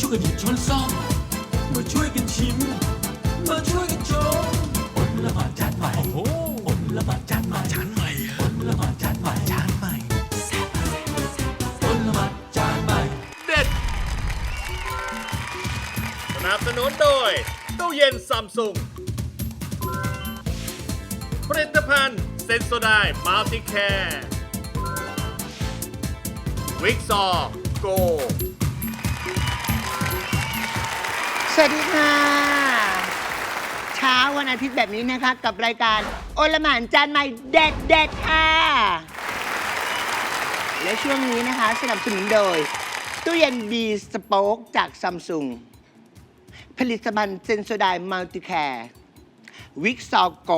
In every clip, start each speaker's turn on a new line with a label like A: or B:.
A: วยกันหยิบช้อนซ่อมมาช่วยกันชิมมาช่วยกันชมอดละหมาดจานใหม่โอ้โหอดละหมาดจานใหม่จานใหม่อดละหมาดจานใหม่จานใหม่อดละหมาดจานใหม่
B: เด็ดสนับสนุนโดยตู้เย็นซัมซุงผลิตภัณฑ์เซนโซไดมัลติแคร์วิกซอโก
C: สวัสดีค่ะเช้าวันอาทิตย์แบบนี้นะคะกับรายการโอละหมานจานใหม่เด็ดเด็ดค่ะและช่วงนี้นะคะสนับสนุนโดยตู้เย็นบีสโป๊กจากซัมซุงผลิตภัณฑ์เซนโซไดมัลติแคร์วิกซอโก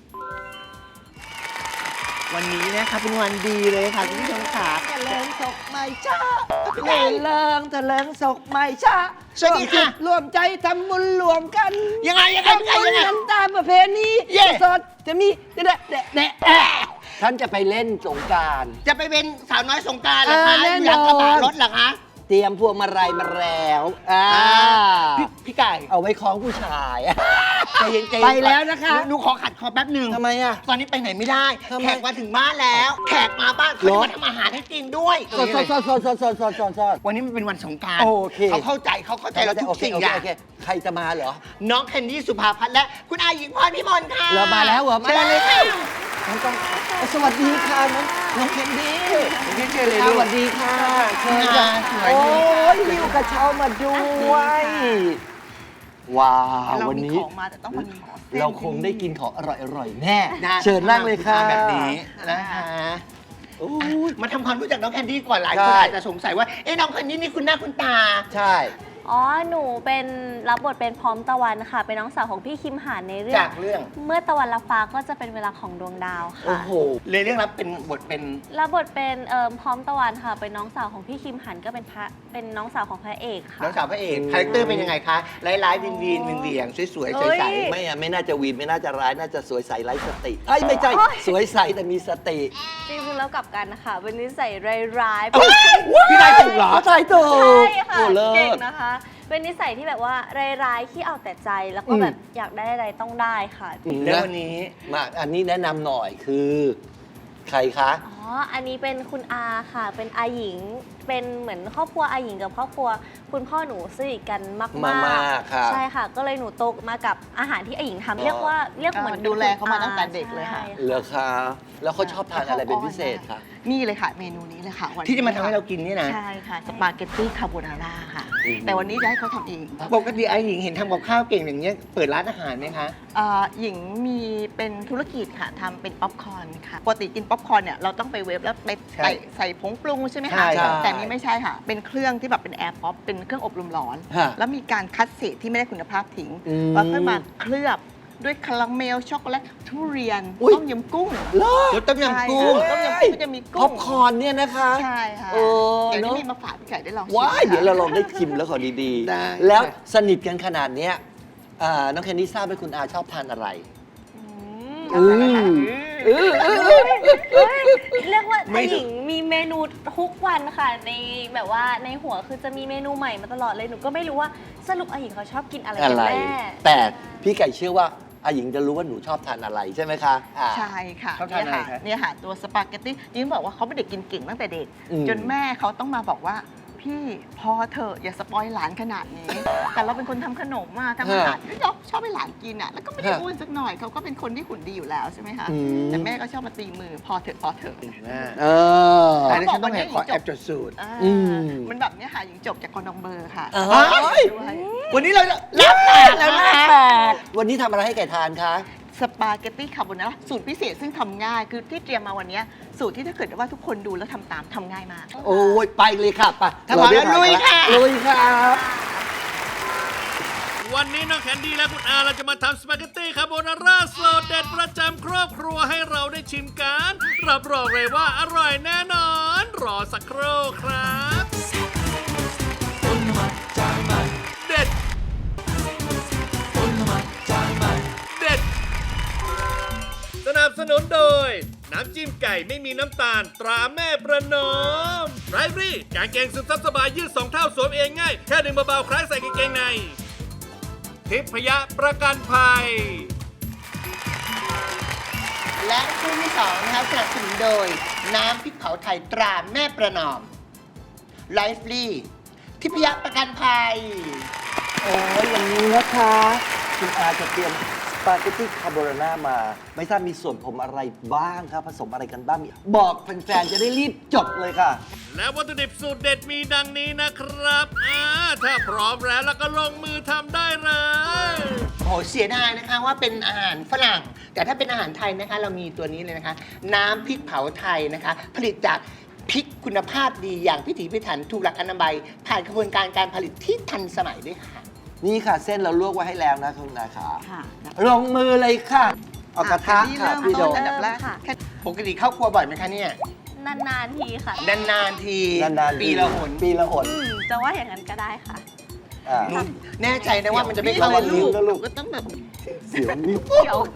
C: วันนี้นะคะเป็นวันดีเลยค่ะคุณผู้ชมค่ะ
D: ทะเลิงศกไม่ช้าทะเลิงศกไม่ช้า
C: สวัสดีค่ะ
D: รวมใจทำบุญรวมกัน
C: ยังไง
D: ทำบุญกันตามประเพณี
C: เย่
D: สดจะมีแดะท่านจะไปเล่นสงกรานต์
C: จะไปเป็นสาวน้อยสงกรานต์เหรอคะ
D: แน่นอน
C: อยากกระบะรถเหรอคะ
D: เตรียมพวงมาลัยมาแล้ว
C: พี่ไก่
D: เอาไว้คล้องผู้ชาย
C: ใจเย็นๆ
D: ไปแล้วนะคะ
C: หนูขอขัดคอแป๊บหนึ่ง
D: ทำไมอ่ะ
C: ตอนนี้ไปไหนไม่ได้
D: ทำไม
C: แขกมาถึงบ้านแล้ว แขกมาบ้านเขาจะมาทำอาหารให้กินด้วย
D: สด
C: วันนี้มันเป็นวันสงกรานต์
D: โอเค
C: เขาเข้าใจเราทุกสิ่งอย่าง
D: โอเคใครจะมาเหรอ
C: น้องแคนดี้สุภาพัฒน์และคุณอาหญิงพรพิมลค่ะ
D: เรามาแล้วเหรอ
C: เชิญเลยค่ะ
D: สวัสดีค่ะน้องแคนดี้
C: เชิญเลย
D: ส
C: ลูก
D: วัสดีค่ะเชิญ
C: ค่ะ
D: ค่ะ
C: สวย
D: โอ้
C: ดี
D: ยหิวกระเช้ามาด้วย ว้าว
E: เรา
D: วัน
E: มี
D: นี้
E: ของมาแต่ต้องมามีของเส้น
D: เราคงได้กินของอร่อยๆ แน่
C: นะ
D: เชิญนั่งเลยค่ะ
C: แบบนี้นะคะ
D: โอ้ย
C: มาทำความรู้จักน้องแคนดี้ก่อนหลายคน
D: ใช่
C: อาจจะสงสัยว่าเอ๊ะน้องแคนดี้นี่คุณหน้าคุณตา
D: ใช่
F: อ๋อ หนูเป็นรับบทเป็นพร้อมตะวันค่ะ เป็นน้องสาวของพี่คิมหานในเรื่อง
C: จากเรื่อง
F: เมื่อตะวันละฟ้าก็จะเป็นเวลาของดวงดาว
D: โอ้
F: ค่ะ
D: โห
C: เลยเรื่องรับเป็นบทเป็น
F: รับบทเป็นพร้อมตะวันค่ะ เป็นน้องสาวของพี่คิมหันก็เป็นน้องสาวของพระเอกค่ะ
C: น้องสาวพระเอกคาแรคเตอร์เป็นยังไงคะร้ายๆวินวีนเหวี่ยงๆสวยๆใส
D: ไม่น่าจะวีนไม่น่าจะร้าย น่าจะสวยใสไร้สติเอ้ยไม่ใช่ สวยใสแต่มีสติ
F: จริงๆแล้วกลับกันนะคะ เป็นนิสัยร้ายๆ
C: ๆพี่นายถูกเหรอ
D: ใช่ถู
F: ใช่
D: ก
F: ค่ะ
D: โอ้เลิ
F: เก่ง
D: ศ
F: นะคะ เป็นนิสัยที่แบบว่าร้ายๆที่เอาแต่ใจ แล้วก็แบบอยากได้อะไรต้องได้ค่ะ
C: แล้ววันนี้
D: มาอันนี้แนะนำหน่อยคือ ใครคะ
F: อ๋อ อันนี้เป็นคุณอาค่ะ เป็นอาหญิง เป็นเหมือนครอบครัวอาหญิงกับครอบครัวคุณพ่อหนูสนิทกันมาก
D: มากๆครับ
F: ใช่ค่ะ ก็เลยหนูโตมากับอาหารที่อาหญิงทำเรียกเหมือน
E: ดูแลเขามาตั้งแต่เด็กเลยค่ะ
F: ใช่
D: เหรอคะแล้วเขาชอบทานอะไรเป็นพิเศษคะ
E: นี่เลยค่ะเมนูนี้เลยค่ะวันนี้
C: ที่จะมาทำให้เรากินนี่นะ
E: ใช่ค่ะสปาเกตตี้คาโบนาร่าค่ะ แต่วันนี้จะให้เขาทำเอง
C: ปกติไอ้หญิงเห็นทำกับข้าวเก่งอย่างเงี้ยเปิดร้านอาหารไหมคะ
E: หญิงมีเป็นธุรกิจค่ะทำเป็นป๊อปคอร์นค่ะปกติกินป๊อปคอร์นเนี่ยเราต้องไปเวฟแล้วไป
C: ใช่
E: ใส่ผงปรุงใช่ไหม
C: ใช่
E: คะ
C: ครับ
E: แต่นี่ไม่ใช่ค่ะ เป็นเครื่องที่แบบเป็นแอร์ป๊อปเป็นเครื่องอบลมร้อน
D: ฮะ
E: แล้วมีการคัดเศษที่ไม่ได้คุณภาพทิ้ง
D: อืม
E: แล้วค่อยมาเคลือบด้วยคาราเมลช็อกโกแลตทุเรียน
D: อุ๊ย
E: ต้มยำกุ้ง
D: เลิศ
C: รสต้มยำกุ้ง
E: ใช่ค่ะต้มยำกุ้งก็จะมีกุ้ง
D: ป๊อปคอร์นเนี่ยนะคะ
E: ใช่ค่ะ
D: เออ
E: เดี๋ยวนี้
D: เนอะ
E: มีมาฝากพี่ไก่ได้ลองชิม
D: ว้าย
E: ค่ะ
D: เดี๋ยวเราลองได้ชิมแล้วขอดี
C: ได้
D: ๆ แล้วสนิทกันขนาดเนี้ยน้องแคนดี้ทราบไหมคุณอาชอบทานอะไร
F: เรียกว่าอาหญิงมีเมนูทุกวันค่ะ ในแบบว่าในหัวคือจะมีเมนูใหม่มาตลอดเลย หนูก็ไม่รู้ว่าสรุปอาหญิงเขาชอบกินอะไร
D: อะ
F: กัน
D: ไร
F: แน่
D: แต่พี่ไก่เชื่อว่าอาหญิงจะรู้ว่าหนูชอบทานอะไรใช่ไหมคะอ่า
E: ใช่ค่ะ
C: ชอบทานอะไรคะ
E: เนี่ยค่ะตัวสปาเกตตี้ยิ่งบอกว่าเขาเป็นเด็กกินเก่งตั้งแต่เด็ก
D: อืม
E: จนแม่เขาต้องมาบอกว่าพี่พอเถอะอย่าสปอยหลานขนาดนี้ แต่เราเป็นคนทำขนมมาทำอาหารที่ชอบให้หลานกินอ่ะแล้วก็ไม่ได้อ้วนสักหน่อยเขาก็เป็นคนที่หุ่นดีอยู่แล้วใช่ไหมคะแต่แม่ก็ชอบมาตีมือพอเถอะพอเถอะ
D: เออ
C: อันนี้ฉันต้องขอแอบจดสูตร
E: อ่า
D: อืม
E: มันแบบเนี้ยค่ะหญิงจบจากคอนองเบอร์ค่ะ
D: เอ้ย
E: ด้วย
C: วันนี้เราจะรับแปดแล้วนะ
D: วันนี้ทำอะไรให้ไก่ทานคะ
E: สปาเกตตี้คาโบนาร่าสูตรพิเศษซึ่งทำง่ายคือที่เตรียมมาวันเนี้ยสูตรที่ถ้าเกิดว่าทุกคนดูแล้วทำตามทำง่ายมาก
D: โอ้ยไปเลยค่ะไป
C: ถ้าพร้อมแล้วลุยค่ะ
D: ลุยครับ
B: วันนี้น้องแคนดี้และคุณอาเราจะมาทำสปาเกตตี้คาโบนาร่าสูตรเด็ดประจำครอบครัวให้เราได้ชิมกันรับรองเลยว่าอร่อยแน่นอน รอสักครู่ครับ
A: อดละหมาดจานใหม่
B: เด็ด
A: อดละหมาดจานใหม่
B: เด็ด สนับสนุนโดยน้ำจิ้มไก่ไม่มีน้ำตาลตราแม่ประนอมไรฟรี่กางเกงซึมซับสบายยืด2 เท่าสวมเองง่ายแค่ดึงเบาๆคล้ายใส่กางเกงในทิพยประกันภัย
C: และคู่ที่สองนะครับสนับสนุนโดยน้ำพริกเผาไทยตราแม่ประนอมไลฟ์ลีทิพยประกันภัย
D: โอ้ยอย่างนี้นะคะคุณอาจะเตรียมสปาเกตตี้คาโบนาร่ามา ไม่ทราบมีส่วนผสมอะไรบ้างครับผสมอะไรกันบ้างบอกแฟนๆจะได้รีบจดเลยค่ะ
B: และวัตถุดิบสูตรเด็ดมีดังนี้นะครับถ้าพร้อมแล้วก็ลงมือทำได้เลย
C: โอ้เสียดายนะคะว่าเป็นอาหารฝรั่ง แต่ถ้าเป็นอาหารไทยนะคะ เรามีตัวนี้เลยนะคะ น้ำพริกเผาไทยนะคะ ผลิตจากพริกคุณภาพดีอย่างพิถีพิถันถูกหลักอนามัยผ่านกระบวนการการผลิตที่ทันสมัยด้วยค่ะ
D: นี่ค่ะเส้นเราลวกไว้ให้แล้วนะคุณนาขา
E: ค่ะ
D: ลงมือเลยค่ะ เอากระทะค่ะพี่โด
E: เริ่มต้นอันดับแรก
F: ค่ะ
E: แค่
C: ปกติเข้าครัวบ่อยไหมคะเนี่ย
F: นานๆทีค่ะ
C: นานๆที
D: นานๆ
C: ปีละหน
D: ปีละหน
F: จะว่าอย่างนั้นก็ได้ค่ะ
D: อ่า
C: นุ่นแน่ใจนะว่ามันจะไม่
D: ระ
C: เข้า
D: วัง
C: ลู
D: นิ้ว
C: ก
D: นะลูก
E: ก็ต้องแบบ
D: เสียวนิ้ว
E: เกี่ยว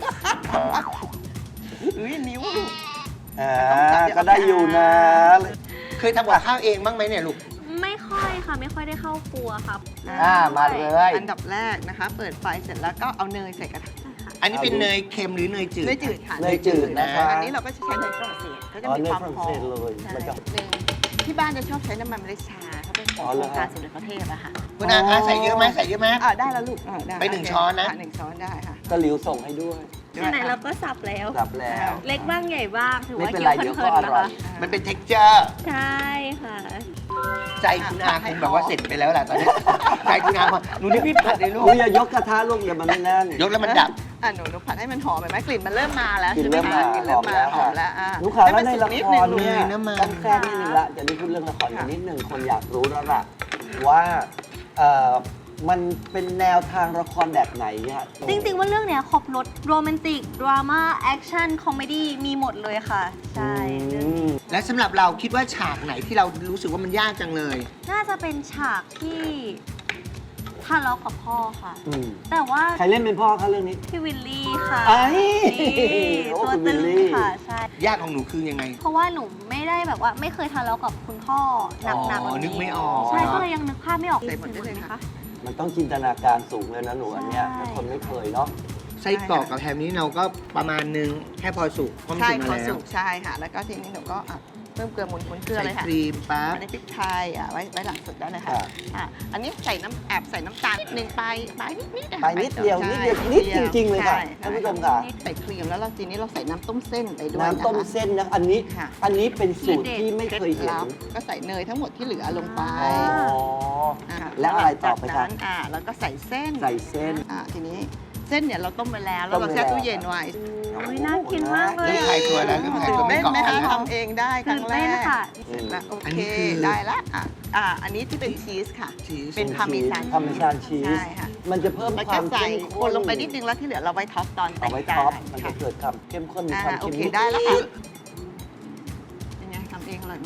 E: นิ้วลูก
D: อ่าก็ได้อยู่นะ
C: เคยทำกับข้าวเองบ้างไหมเนี่ยลูก
F: ไม่ค่อยค่ะ ไม่ค่อยได้เข้าครัวครับ
D: มาเลย
E: อันดับแรกนะคะ เปิดไฟเสร็จแล้วก็เอาเนยใส่กระทะ
C: อันนี้เป็นเนยเค็มหรือเนยจืด
E: เนยจืดค่ะ
D: เนยจืดนะคะ
E: อันนี้เราก็จะใช้เนยฝรั่งเศสก็จะ
D: อ๋อ
E: มี
D: เนย
E: ความ
D: ฝรั่ง
E: หอ
D: เศ
E: ม
D: สเลย
E: ใช่
D: มันจะ
E: หนึ่งที่บ้านจะชอบใช้น้ำมันเมล็ดชาเขาเป็นโค
D: อ๋อเหร
E: ร
D: อ
E: งการสมเด็จพระเทพอะค่ะ
C: คุณอาคะใส่เยอะไหมใส่เยอะไหม
E: ได้แล้วลูกได้
C: ไป1 ช้อนนะ
E: ค่1 ช้อนได้ค่ะ
D: ก็หลิวส่งให้ด้วย
F: ไหนๆเราก็สับแล้ว
D: รับแล้ว
F: เล็กบ้างใหญ่บ้าง ถือ
D: ไม่
F: ว่า
D: เป็น
F: เคี้
D: ไร
F: ยว
D: เดี๋ยว
F: เพ
D: ก็
F: ลิน
D: อ
F: ๆนะ
D: ร่อย
F: คะ
C: มันเป็น texture
F: ใช่ค่ะ
C: ใจคุณอาคงแบบว่าเสร็จไปแล้วแหละตอนนี้ ใจคุณอาพอหนูนี่พี่ผัดเลยลูก
D: คุณอย่ายกกระทะลูกอย่ามันไม่แน่น
C: ยกแล้วมันดับ
E: หนูผัดให้มันหอมไหมกลิ่นมันเริ่มมาแล้ว
D: กลิ่น
E: ใช่ไหม
D: เริ่ม
E: คะ
D: มาก
E: ลิ่นเริ่มมาหอ
D: หอ
E: ม
D: มแล้
E: แล้ว ว
D: ลูกค้าแล้วในละ
E: นิด
D: ค
E: นึง
D: ร
E: ลูก
D: เนี่ย
C: น้ำมัน
D: ต้องแค่นิดนึงละจะได้พูดเรื่องละครกันนิดนึงคนอยากรู้แล้วล่ะว่ามันเป็นแนวทางละครแบบไหนเนี่ย
F: จริงๆว่าเรื่องเนี้ยครบรถโรแมนติก ดราม่า แอคชั่น คอมเมดี้ มีหมดเลยค่ะ ใช่เรื่องนี้
C: และสำหรับเราคิดว่าฉากไหนที่เรารู้สึกว่ามันยากจังเลย
F: น่าจะเป็นฉากที่ทะเลาะกับพ่อค่ะ
D: อืม
F: แต่ว่า
D: ใครเล่นเป็นพ่อคะเรื่องนี้
F: พี่วิลลี่ค่ะ
D: ไอ้
F: นี่
D: โอ้
F: ตัว
D: คุณ
F: ตึง
D: วิลลี่
F: ค่ะ ใช่
C: ยากของหนูคือยังไง
F: เพราะว่าหนูไม่ได้แบบว่าไม่เคยทะเลาะกับคุณพ่อหนักๆแบบ
C: นึกไม่ออก
F: ใช่ก็เลยยังนึกภาพไม่ออก
E: ใส่หมดได้เลยค่ะ
D: มันต้องจินตนาการสูงเลยนะหนูอันเนี้ย
F: ใช่
D: ถ้าคนไม่เคยเนาะ
C: ไส้กรอกกับแฮมนี้เราก็ประมาณนึงแค่พอสุกเพราะมัน
E: ใช่
C: สุก
E: พ
C: มา
E: อ
C: แล้
E: สุ
C: ว
E: กใช่ค่ะ แล้วก็ทีนี้หนูก็เพิ่มเกลือหมุนเกลือ
C: ใส่
E: เลยค่ะ
C: ครีมปั๊บ
E: อันนี้พริกไทยไว้หลังสุดได้เลยค่ะ
D: ค่ะ
E: อันนี้ใส่ใส่น้ำตาลนิดนึงไปนิดๆนะคะ
D: ไปนิดเดียว
E: ใช่
D: นิดเดียวนิดจริง ๆ เลยค่ะ
E: ใช่
D: ท่านผู้ชมค่ะ
E: ใส่ครีมแล้วเราทีนี้เราใส่น้ำต้มเส้นไปด้วย
D: น้ำต้มเส้นนะอันนี้
E: ค่ะ
D: อันนี้เป็นสูตรที่ไม่
E: เคล็ด
D: เคยเห็น
E: ลับก็ใส่เนยทั้งหมดที่เหลือลงไป
D: อ๋อ
E: อ่า
D: แล้วอะไรต่อไป
E: จาก
D: คะ
E: นั้นแล้วก็ใส่เส้น
D: ใส่เส้น
E: ทีนี้เส้นเนี่ยเราต้มไปแล้วแล้วเรา
D: ต้มไป
E: แช่
D: แล้ว
E: ตู้เย็นไว้
F: อุ๊ยน่ากินมากเลย
C: เริ่มคลายตัวแล้วเริ่มคลายตัวไม่
E: เต้น
C: เกาะ
E: ไหมคะ
C: แล้ว
E: ทำเองได้ครั้
F: ตื่
E: ง
F: น
E: แร
F: เต้น
E: ก
F: ค่ะ
E: เสร็จแล้วโอ
C: อัน
E: เค
C: นี้คือ
E: ได้ละอันนี้ที่เป็นชีสค่ะ
C: ชีส
E: เป็นพาร์เมซาน
D: พาร์เมซานชีส
E: ใช่ค่ะ
D: มันจะเพิ่ม
E: แล้ว
D: ค
E: ก็
D: วาม
E: ใส่
D: เข้ม
E: ค
D: ข้น
E: นลงไปนิดนึงแล้วที่เหลือเราไว้ท็อปตอน
D: เอาไว้
E: จา
D: ท็อป
E: น
D: มันจะ
E: ค่ะ
D: เกิดความเข้มข้นมีความ
E: โอ
D: เค็ม
E: เคได้แล้วค่ะเป็นไงทำเองอร่อยไหม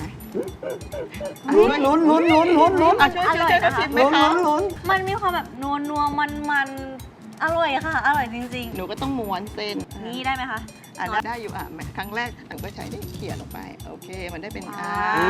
D: ลุ้นช่วย
F: อร่อย
E: ช่วย
F: นะคะ
E: ชิมไหม
D: ลุ้น
E: คะ
D: ลุ้น
F: มันมีความแบบนัวมันอร่อยค่ะ อร่อยจริง
E: หนูก็ต้องม้วนเส้น
F: ๆ นี่ได้ไหมคะ
E: ได้อยู่ครั้งแรกหนูก็ใช้ได้เขี่ยลงไปโอเคมันได้เป็น
F: อ่า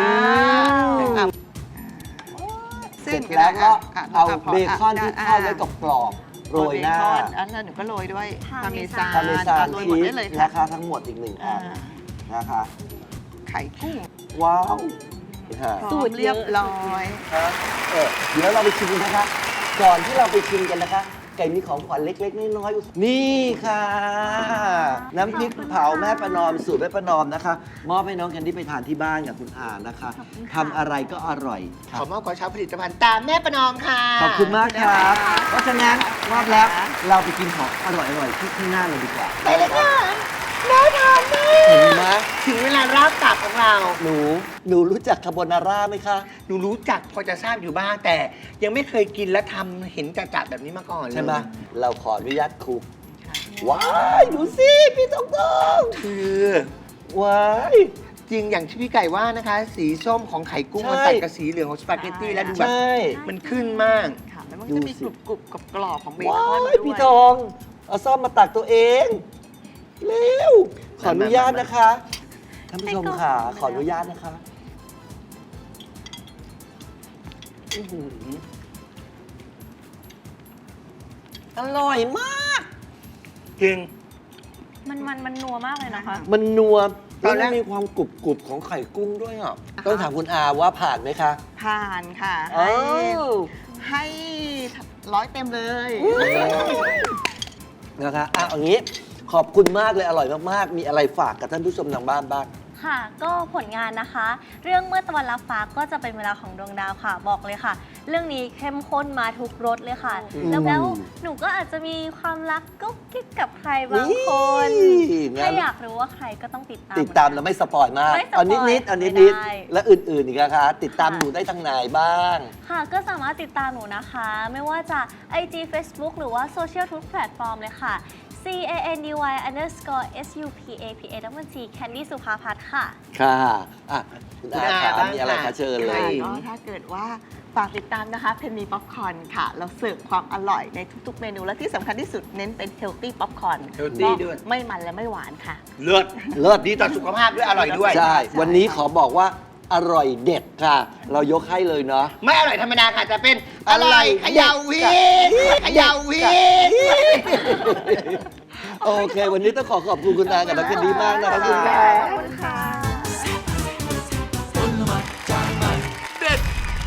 D: เสร็จแล้วก็เอาเบคอนที่ทอดไว้กับกรอบโรยหน้า
E: อันนั้นหนูก็โรยด้วย
F: พา
E: พา
F: เม
E: เม
F: ซา
E: ซาน
D: พาเมซาน
E: โรยห
D: ชี
E: มด
D: ส
E: ได้เลยค่ะ
D: นะคะทั้งหมดอีก1อันนะคะ
E: ไข่กุ้ง
D: ว้าวค่ะ
F: สูตร
E: เรียบร้อย
D: เดี๋ยวเราไปชิมกันนะคะ ก่อนที่เราไปชิมกันนะคะ ไก่มีของขวัญเล็กๆน้อยๆนี่ค่ะ น้ำพริกเผาแม่ประนอมสูตรแม่ประนอมนะคะมอบให้น้องแคนดี้ไปทานที่บ้านกับคุณอานะคะทำอะไรก็อร่อยค
C: ข
D: รั
C: อบ มอบกระเช้าผลิตภัณฑ์ตามแม่ประนอมค่ะ
D: ขอบคุณมากครับ เพราะฉะนั้นมอบแล้วเราไปกินของอร่อยๆที่ข้างหน้าเลยดีกว่า
C: ไปเลยค่ะน่าทานมาก
D: เห็นไหม
C: ถึงเวลาราบตับของเรา
D: หนูรู้จักคาโบนาร่าไหมคะ
C: หนูรู้จักพอจะทราบอยู่บ้างแต่ยังไม่เคยกินและทำเห็นจัดๆแบบนี้มาก่อนเลย
D: ใช่ไหมเราขออนุญาตคลุกว้ายดูสิพี่ตอง
C: คือ
D: ว้าย
C: จริงอย่างที่พี่ไก่ว่านะคะ สีส้มของไข่กุ้ง
D: ใช่
C: มันตัดกับสีเหลืองของสปาเกตตี้แล้วดูแบบ
D: ใช่
C: มันขึ้นมาก
E: ค่ะแล้วมันก็จะมีกรุบกับกรอบของเบ
D: ว้า
E: คอน
D: ย
E: ด้วย
D: พี่ทองเอาซ่อมมาตักตัวเองเร็วขออนุญาตนะคะท่านผู้ชมค่ะ ขออนุญาตนะคะอื้อหืออร่อยมาก
C: จริง
F: มันนัวมากเลยนะคะ
D: มันนัว
C: ต
D: แล้
C: อ
D: วน
C: แร
D: มั
C: ก
D: นมีความกรุบๆของไข่กุ้งด้วยอ่ะต้องถามคุณอาว่าผ่านไหมคะ
E: ผ่านค่ะ
D: อ้าว
E: ให้100 เต็มเลย
D: นะคะอ่ะเอางี้ขอบคุณมากเลยอร่อยมากๆ มีอะไรฝากกับท่านผู้ชมทางบ้านบ้าง
F: ค่ะ ก็ผลงานนะคะ เรื่องเมื่อตะวันรับฟ้าก็จะเป็นเวลาของดวงดาวค่ะ บอกเลยค่ะ เรื่องนี้เข้มข้นมาทุกรสเลยค่ะ
D: อืม
F: แล้วหนูก็อาจจะมีความรักกุ๊กกิ๊กกับใครบางคน
D: นี่งั้น
F: ถ้าอยากรู้ว่าใครก็ต้องติดตาม
D: ติดตามแล้วไม่สปอยมาก
F: ไม่สปอย
D: เอานิดๆเอา
F: ไม่
D: นิด
F: ได้
D: ๆและอื่นๆอีกนะคะ ติดตาม
F: ค่ะ
D: หนูได้ทางไหนบ้าง
F: ค่ะ ก็สามารถติดตามหนูนะคะ ไม่ว่าจะ IG Facebook หรือว่าโซเชียลทุกแพลตฟอร์มเลยค่ะ CANDY_SUPAPA Candy สุภาพัฒน์ค่ะ
D: ค่ะอ่ะคุณอา
C: คุณอา
D: ค่ะ
C: บ้าง
D: มีอะไร
C: ค่ะ
D: คะเชิญเล
E: ค่ะ
D: ย
E: ก็ถ้าเกิดว่าฝากติดตามนะคะเพนนีป๊อปคอร์นค่ะ เราเสิร์ฟความอร่อยในทุกๆเมนู และที่สำคัญที่สุดเน้นเป็นเฮลตี้ป๊อปคอร์น
C: healthy ด้วย
E: ไม่มันและไม่หวานค่ะ
C: เลิศ
D: เลิศ
C: ดีต่อสุขภาพด้วยอร่อยด้วย
D: ใช่ วันนี้ขอบอกว่าอร่อยเด็ดค่ะ เรายกให้เลยเนาะ
C: ไม่อร่อยธรรมดาค่ะจะเป็นอร่อยเขยาววิทเขยาววิท
D: โอเค วันนี้ต้องขอบคุณคุณอากับนักเรียนดีมากนะ
C: ขอบคุณ
D: ค
C: ค่ะ
D: รับ
F: ขอบคุณค่ะ
A: ผลไม้จานใหม่
B: เด็ด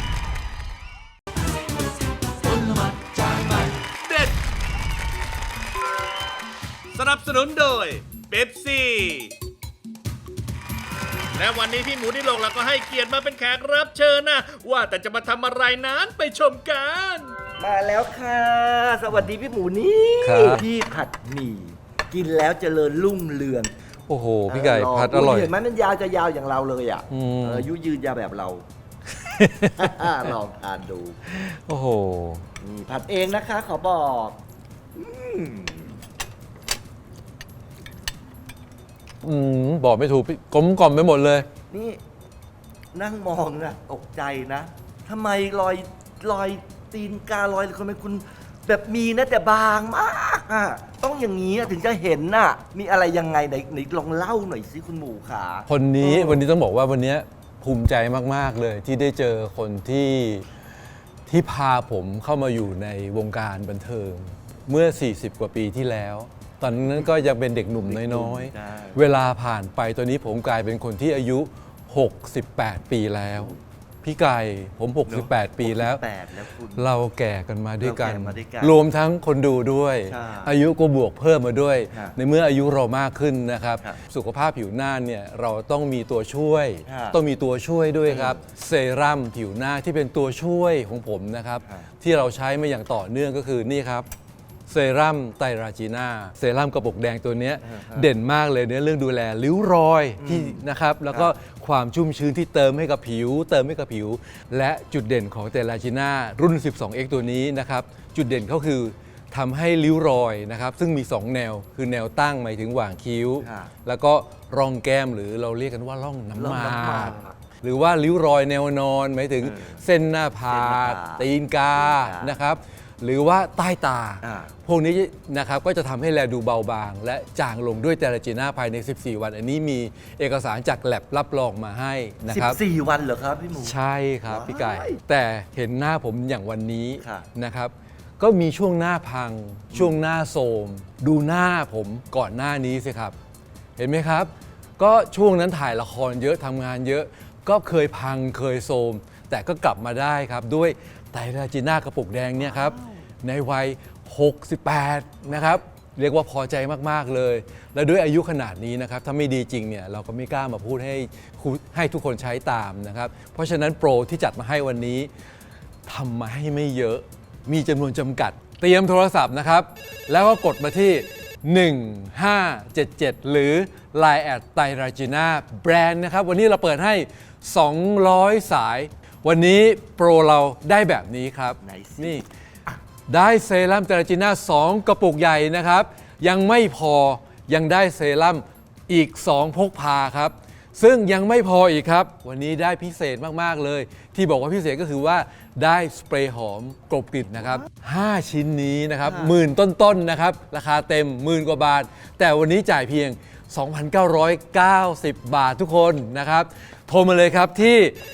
A: ผลไม้จานใหม่
B: เด็ด สนับสนุนโดยเบปซี่ และวันนี้พี่หมูดิโลกเราก็ให้เกียรติมาเป็นแขกรับเชิญนะ ว่าแต่จะมาทำอะไรนั้นไปชมกัน
G: มาแล้วค่ะ สวัสดีพี่หมูนี่
H: ครับ
G: พี่ผัดหมี่กินแล้วเจริญรุ่งเรือง
H: โอ้โห พี่ไก่ผัดอร่อย
G: เห็นไหมมันยาวจะยาวอย่างเราเลยอ่ะ
H: อืม
G: อายุยืนยาวแบบเรา ลองทานดู
H: โอ้โห
G: นี่ผัดเองนะคะ ขอบอก
H: บอกไม่ถูกพี่กลมกล่อมไปหมดเลย
G: นี่นั่งมองนะตกใจนะทำไมรอยตีนการอยคนเป็นคุณแบบมีนะแต่บางมากอ่ะต้องอย่างนี้อะถึงจะเห็นน่ะ มีอะไรยังไงไหนลองเล่าหน่อยสิคุณหมูขา
H: คนนี้วันนี้ต้องบอกว่าวันนี้ภูมิใจมาก ๆ เลย ที่ได้เจอคนที่พาผมเข้ามาอยู่ในวงการบันเทิง เมื่อ 40 กว่าปีที่แล้ว ตอนนั้นก็ยังเป็นเด็กหนุ่มน้อย
G: ใช่
H: ๆ เวลาผ่านไปตอนนี้ผมกลายเป็นคนที่อายุ 68 ปีแล้ว พี่ไก่ผม 68 ปีแล้ว
G: 68แล้วคุณ
H: เราแก่กันมาด้วยกัน
G: เราแก่มาด้วยกัน
H: รวมทั้งคนดูด้วย
G: ใช่
H: อายุก็บวกเพิ่มมาด้วย
G: ครับ
H: ในเมื่ออายุเรามากขึ้นนะครับ
G: ครับ
H: สุขภาพผิวหน้าเนี่ยเราต้องมีตัวช่วย
G: ครับ
H: ต้องมีตัวช่วยด้วยครับ เซรั่มผิวหน้าที่เป็นตัวช่วยของผมนะครับ
G: ครับ
H: ที่เราใช้มาอย่างต่อเนื่องก็คือนี่ครับ เซรั่มไตรราจีน่าเซรั่มกระปุกแดงตัวเนี้ยเด่นมากเลยในเรื่องดูแลริ้วรอยที่นะครับ แล้วก็ความชุ่มชื้นที่เติมให้กับผิว และจุดเด่นของไตรราจีน่ารุ่น 12X ตัวนี้นะครับ จุดเด่นเขาคือทำให้ริ้วรอยนะครับ ซึ่งมี 2 แนว คือแนวตั้งหมายถึงหว่างคิ้ว
G: ครับ
H: แล้วก็ร่องแก้มหรือเราเรียกกันว่าร่องน้ำ
G: ร่อง
H: ห
G: น้ำหมาม
H: าก ก หรือว่าริ้วรอยแนวนอนหมายถึงเส้นหน้าผาก ตีนกานะครับ หรือว่าใต้ตา
G: อ่า
H: พวกนี้นะครับก็จะทำให้แลดูเบาบาง และจางลงด้วยเตราจีน่าภายใน 14 วัน อันนี้มีเอกสารจากแลบรับรองมาให้นะครับ
G: 14 วันเหรอครับพี่หมู
H: ใช่ครับ
G: ว้าย
H: พี่ไก่ แต่เห็นหน้าผมอย่างวันนี้
G: ครับ
H: นะครับ ก็มีช่วงหน้าพัง ช่วงหน้าโทรมดูหน้าผมก่อนหน้านี้สิครับ เห็นไหมครับ ก็ช่วงนั้นถ่ายละครเยอะทำงานเยอะ ก็เคยพังเคยโทรมแต่ก็กลับมาได้ครับ ด้วยไตรราจีน่ากระปุกแดงเนี่ยครับ ในวัย 68 นะครับ เรียกว่าพอใจมาก ๆ เลย และด้วยอายุขนาดนี้นะครับ ถ้าไม่ดีจริงเนี่ยเราก็ไม่กล้ามาพูดให้ทุกคนใช้ตามนะครับ เพราะฉะนั้นโปรที่จัดมาให้วันนี้ทำมาให้ไม่เยอะ มีจำนวนจำกัด เตรียมโทรศัพท์นะครับ แล้วก็กดมาที่ 1577 หรือ Line แอดไตรราจีน่าแบรนด์นะครับ วันนี้เราเปิดให้ 200 สาย วันนี้โปรเราได้แบบนี้ครับ
G: ไหนสิ
H: นี่ ได้เซรั่มเตราจีน่า2 กระปุกใหญ่นะครับ ยังไม่พอยังได้เซรั่มอีก 2 พกพาครับ ซึ่งยังไม่พออีกครับ วันนี้ได้พิเศษมาก ๆ เลย ที่บอกว่าพิเศษก็คือว่าได้สเปรย์หอมกลบกลิ่นนะครับ 5 ชิ้นนี้นะครับหมื่นต้น ๆ นะครับ ราคาเต็มหมื่นกว่าบาท แต่วันนี้จ่ายเพียง 2,990 บาททุกคนนะครับ โทรมาเลยครับที่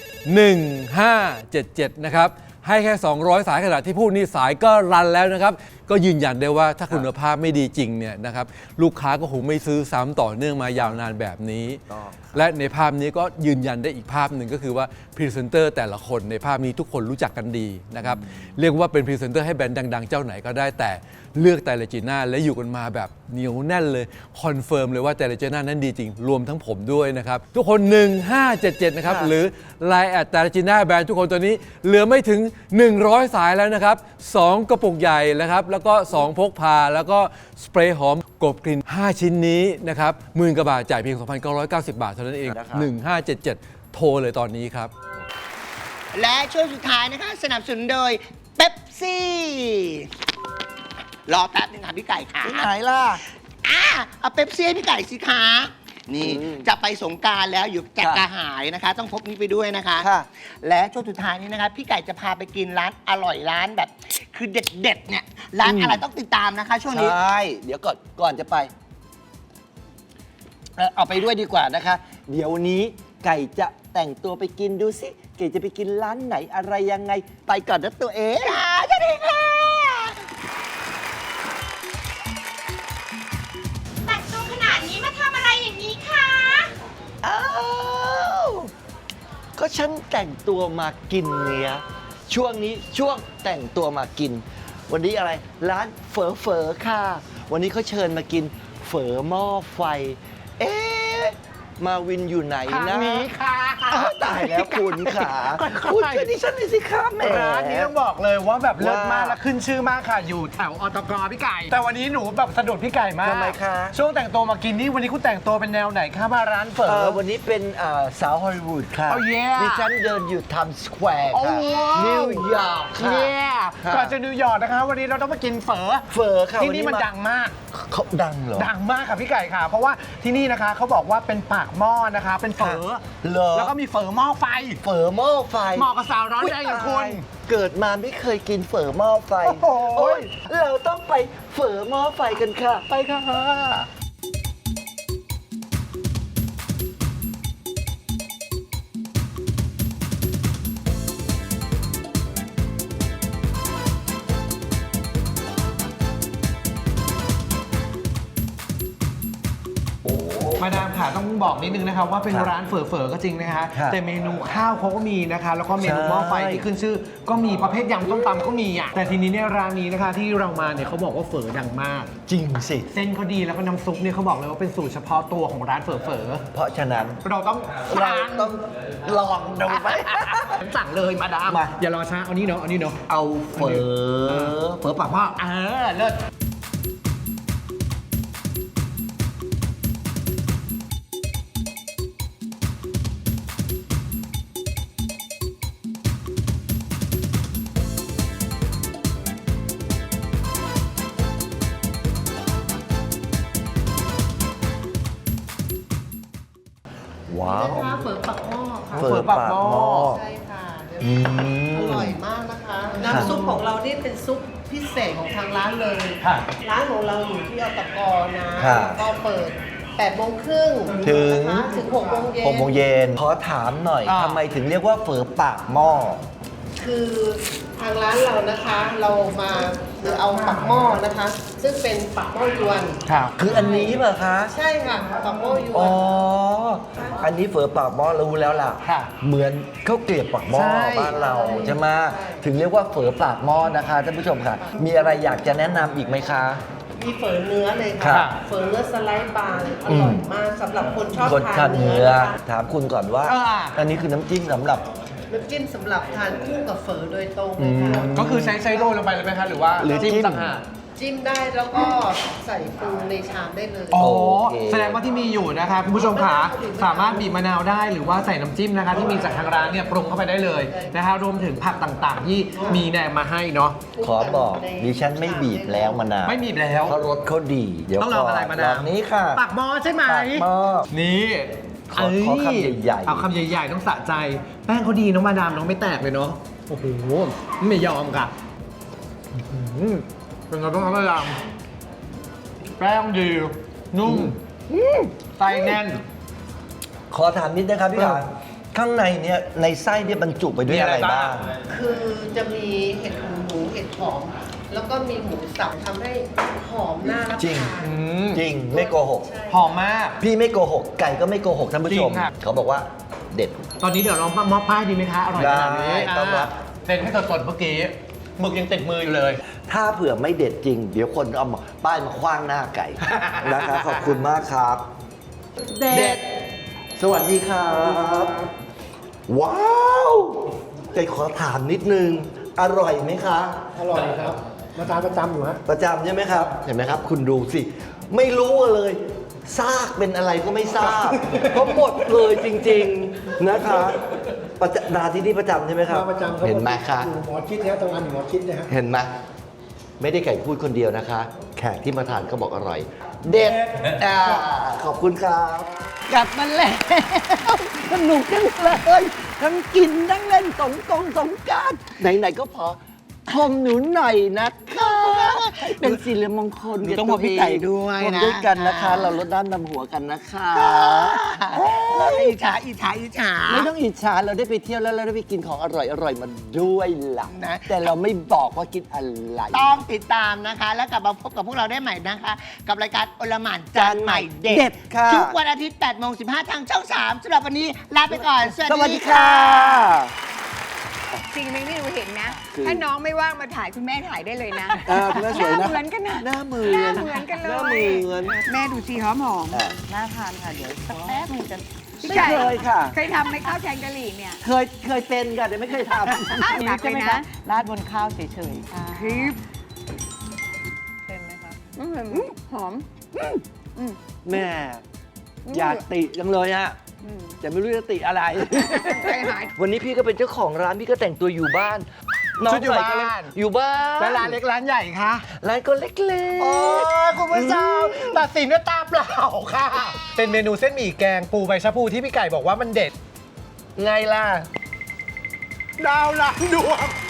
H: 1577 นะครับ ให้แค่ 200 สายขนาดที่พูดนี่สายก็รันแล้วนะครับ ก็ยืนยันได้ว่าถ้าคุณภาพไม่ดีจริงเนี่ยนะครับลูกค้าก็คงไม่ซื้อซ้ำต่อเนื่องมายาวนานแบบนี้ และในภาพนี้ก็ยืนยันได้อีกภาพหนึ่งก็คือว่าพรีเซนเตอร์แต่ละคนในภาพนี้ทุกคนรู้จักกันดีนะครับเรียกว่าเป็นพรีเซนเตอร์ให้แบรนด์ดังๆเจ้าไหนก็ได้แต่เลือกไตรเลจีน่าและอยู่กันมาแบบเหนียวแน่นเลยคอนเฟิร์มเลยว่าไตรเลจีน่านั้นดีจริงรวมทั้งผมด้วยนะครับทุกคน 1577 นะครับหรือ Line แอดไตรเลจีน่าแบรนด์ทุกคนตัวนี้เหลือไม่ถึง 100 สายแล้วนะครับ2กระปุกใหญ่นะครับแล้วก็2พกพาแล้วก็สเปรย์หอมกบกลิ่น5ชิ้นนี้นะครับ10,000 กว่าบาทจ่ายเพียง 2,990 บาทเท่านั้นเอง1577 โทรเลยตอนนี้ครับ
C: และช่วงสุดท้ายนะคะสนับสนุนโดยเป๊ปซี่ รอแป๊บนึงค่ะพี่ไก่ค่ะ
G: ที่ไหนล่ะ
C: เอาเป๊ปซี่ให้พี่ไก่สิคะนี่จะไปสงกรารแล้วอยู่จะกระหายนะคะ ต้องพกนี้ไปด้วยนะคะ
G: ค่ะ
C: และช่วงสุดท้ายนี้นะคะพี่ไก่จะพาไปกินร้านอร่อยร้านแบบ คือเด็ดๆเนี่ยร้านอะไรต้องติดตามนะคะ ช่วงนี้
D: ใช่ เดี๋ยวก่อนจะไปเอาไปด้วยดีกว่านะคะ เดี๋ยวนี้ไก่จะแต่งตัวไปกินดูสิไก่จะไปกินร้านไหนอะไรยังไง ไปก่อนนะตัวเอง
C: สวัสดีค่ะ
I: แต่งตัวขนาดนี้มาทำอะไรอย่างนี้คะ
D: อ้าวก็ฉันแต่งตัวมากินเนี่ยช่วงนี้ช่วงแต่งตัวมากิน วันนี้อะไรร้านเฝอค่ะ วันนี้เขาเชิญมากินเฝอหม้อไฟ เอ๊ะมาวินอยู่ไหนนะ
C: นี้ค่ะ
D: อ้าวตายแล้วคุณขาคุณช่วยดิฉันหน่อยสิครับแหม
J: ร้านนี้ต้องบอกเลยว่าแบบเลิศมากและขึ้นชื่อมากค่ะ อยู่แถวอตกพี่ไก่ แต่วันนี้หนูแบบสะดุดพี่ไก่มาก
D: ทำไมคะ
J: ช่วงแต่งตัวมากินนี่วันนี้คุณแต่งตัวเป็นแนวไหนคะมาร้านเฝอ
D: วันนี้เป็นสาวฮอลลีวูดค่ะ
J: Oh yeah
D: ดิฉันเดินอยู่ไทม์สแควร์
J: โอ้
D: ค่ะ
J: ว้าว
D: นิวยอร์กค่ะ
J: เนี่ย
D: ค่ะ
J: ก่อนจะนิวยอร์กนะคะ วันนี้เราต้องมากินเฝอ
D: เฝอค่ะ
J: ที่
D: วั
J: นี่มันดังมาก
D: เขาดังเหรอ
J: ดังมากค่ะพี่ไก่ค่ะ เพราะว่าที่นี่นะคะเขาบอกว่าเป็นปากหม้อนะคะ เป็นเฝอ
D: เหรอ
J: แล้วก็มีเฝอหม้อไฟ
D: เฝอหม้อไฟ
J: เหมาะกับสาวร้อนแรงอย่างคุณ
D: เกิดมาไม่เคยกินเฝอหม้อไฟ
J: โอ้โห
D: โอ๊ยเราต้องไปเฝอหม้อไฟกันค่ะ ไปค่ะ
J: มาดามค่ะต้องบอกนิดนึงนะครับว่าเป็น
D: ครับ
J: ร้านเฝอก็จริงนะคะ
D: ครับ
J: แต่เมนูข้าวเขาก็มีนะคะ แล้วก็เมนู
D: ใช่
J: หม้อไฟที่ขึ้นชื่อ ก็มีประเภทยำต้มตำก็มีอ่ะแต่ทีนี้เนี่ยร้านนี้นะคะที่เรามาเนี่ยเขาบอกว่าเฝอดังมาก
D: จริงสิ
J: เส้นเขาดีแล้วก็น้ำซุปเนี่ยเขาบอกเลยว่าเป็นสูตรเฉพาะตัวของร้านเฝอ
D: เพราะฉะนั้น
J: เราต้อง
D: เราต้องลองดูไหม
J: สั่งเลยมาดาม
D: มา
J: อย่ารอช้าเอานี่เนาะเอานี่เนาะ
D: เอาเฝอปากหม้อ
J: เลิศ
D: ว้าว
C: เฝอปักหม้อค่ะ
D: เฝอปากหม้อ
C: ใช่ค่ะ
D: อืม
C: อร่อยมากนะคะ น้ำซุปของเรานี่เป็นซุปพิเศษของทางร้านเลย
J: ค่ะ
C: ร้านของเราอยู่ที่อตกนะ
D: ค่ะ
C: ก็เปิด8 โมงครึ่ง
D: ถึง
C: นะคะถึง 6 โมงเย็น
D: 6 โมงเย็นขอถามหน่อย
J: อ่า
D: ทำไมถึงเรียกว่าเฝอปากหม้อ
C: คือทางร้านเรานะคะ เรามาคือเอาปักหม้อนะคะ ซึ่งเป็นปักหม้อยวน
J: ครับ
D: คืออันนี้เปล่ะคะ
C: ใช่ค่ะปักหม้อยว
D: อ๋อ
C: น
D: อันนี้เฝอปากหม้อรู้แล้วล่ะ
J: ค่ะ
D: เหมือนข้าวเกลียบปากหม้อ
J: ใช่
D: บ้านเราใช่ไหมถึงเรียกว่าเฝอปากหม้อนะคะท่านผู้ชมค่ะ มีอะไรอยากจะแนะนำอีกไหมคะ
C: มีเฝอเนื้อเลย
D: ครั
C: ค่ะ
D: บ
C: เฝอเนื้อสไลด์บางอร่อยมากสำหรับคนชอบ
D: คน
C: ทา
D: ทาน น
C: เนื้
D: เนื้
C: อ
D: อ
C: นะคะ
D: ถามคุณก่อนว่า อันนี้คือน้ำจิ้มสำหรับ
C: น้ำจิ้มสำหรับทานคู่กับเฝอโดยตรงเลยค่ะ
J: ก็คือใช้โรยลงไปเลยไหมคะหรือว่า
D: หรือจิ้ม
J: ต่างหาก
C: จิ้มได้แล้วก็ใส่ปรุงในชามได้เลย
J: อ๋อ
D: โอเค
J: แสดงว่าที่มีอยู่นะคะคุณผู้ชมขาสามารถบีบมะนาวได้หรือว่าใส่น้ำจิ้มนะคะ ที่มีจากทางร้านเนี่ยปรุงเข้าไปได้เลยนะคะรวมถึงผักต่างๆ ที่มีแนมมาให้เนาะ
D: ขอบอกดิฉันไม่บีบแล้วมะนาว
J: ไม่บีบแล้ว
D: เพราะรสเขาดี เดี๋ยว
J: ต้องลองอะไร
D: ก่น
J: มะนาว
D: ลองนี้ค่ะ
J: ปากหม้อใช่ไหม
D: ปากหม้อ
J: นี่
D: ขอคำใหญ่ๆ
J: เอาคำใหญ่ๆต้องสะใจ แป้งเขาดีน้องมาดามน้องไม่แตกเลยเนาะโอ้โหไม่ยอมค่ะอื้อหือเป็นไงบ้างครับมาดามแป้งดีนุ่มไส้แน่น
G: ขอถามนิดนะครับพี่ขาข้างในเนี่ยในไส้เนี่ยบรรจุไปด้วยอะไรบ้าง
C: คือจะมีเห็ดหูหมูเห็ดหอม แล้วก็มีหมูสับทำให้หอมน่ารับ
G: จริง
C: ทาน
G: จริงไม่โกหก
J: หอมมาก
G: พี่ไม่โกหก ไก่ก็ไม่โกหกท่านผู้ชม
J: จริงครับ
G: เขาบอกว่าเด็ด
J: ตอนนี้เดี๋ยวลองมอบป้ายดีไหมคะ อร่อยขนาดนี้
G: ได้ต้อนรับ
J: เซ็นให้สดๆเมื่อกี้หมึกยังติดมืออยู่เลย
G: ถ้าเผื่อไม่เด็ดจริง เดี๋ยวคนเอาป้ายมาคว้างหน้าไก่ นะครับขอบคุณมากครับ เด็ด สวัสดีครับ ว้าวไก่ขอถามนิดนึง อร่อยไหมคะ
K: อร่อยครับ มาทานประจำอยู่ฮะ
G: ประจำใช่ไหมครับ เห็นไหมครับ คุณดูสิ ไม่รู้เลยซากเป็นอะไรก็ไม่ทราบ เพราะหมดเลยจริง ๆนะคะมาที่นี่ประจำใช่ไหมครับ
K: มาประจำครับ
G: เห็นไหมคะ
K: อยู่หมอชิดนะตรงนั้นอยู่หมอชิดนะฮะ
G: เห็นไหมไม่ได้ไก่พูดคนเดียวนะคะ แขกที่มาทานก็บอกอร่อย เด็ดขอบคุณครับ
D: กลับมาแล้วสนุกจังเลยทั้งกินทั้งเล่นสงกรานต์ไหนๆก็พอชมหนูหน่อยนะคะเป็นสิริมงคล
C: หนูต้องบอกพี่ไก่ด้วยนะ
D: ชมด้วยกันนะคะ เราลดน้ำดำหัวกันนะคะ
C: อิจฉา
D: ไม่ต้องอิจฉาเราได้ไปเที่ยวแล้วเราได้ไปกินของอร่อยมาด้วยล่ะ
C: นะ
D: แต่เราไม่บอกว่ากินอะไร
C: ต้องติดตามนะคะ แล้วกลับมาพบกับพวกเราได้ใหม่นะคะ กับรายการอลหม่านจานใหม่เด็
D: เด็
C: ด
D: ดค่ะ
C: ทุกวันอาทิตย์8:15ทางช่อง 3สำหรับวันนี้ลาไปก่อน
D: สวัสดีค่ะ
E: สิ่งหนึ่งที่หนูเห็นนะ
D: คือ
E: ถ้าน้องไม่ว่างมาถ่ายคุณแม่ถ่ายได้เลยนะ
D: คุณแม่สวยนะ
E: หน้าเหมือนกันนะ
D: หน้าเหมือน
E: หน้าเหมือนกันเลย
D: หน้าเหมือน
E: แม่ดูสิหอมหอม
F: น่าทานค่ะ เดี๋ยวสักแป๊บนึงจะ
E: พี่
D: ไม่
E: ไก่
D: เคยค่ะ
E: เคยทำไหมข้าวแกงกะหรี่เนี่ย
D: เคยเป็นค่ะแต่ไม่เคยทำ
E: หนักเลยนะ
F: ราดบนข้าวเฉยๆค่ะ
E: คลิป
F: เค็มไหมคะ
E: หอม
D: แม่อยากติจังเลยฮะแต่ไม่รู้จะติอะไร
E: ใจหาย
G: วันนี้พี่ก็เป็นเจ้าของร้านพี่ก็แต่งตัวอยู่บ้านน้อง
J: ชุดอยู่
G: ใส่ก็เลย
J: บ้าน
G: อยู่บ้าน
J: แล้วร้านเล็กร้านใหญ่คะ
G: ร้านก็เล็กๆ
J: โอ้ยคุณผู้ชมตัดสินด้วยตาเปล่าค่ะ เป็นเมนูเส้นหมี่แกงปูใบชะพูที่พี่ไก่บอกว่ามันเด็ด
G: ไงล่ะ
J: ดาวหลังดวง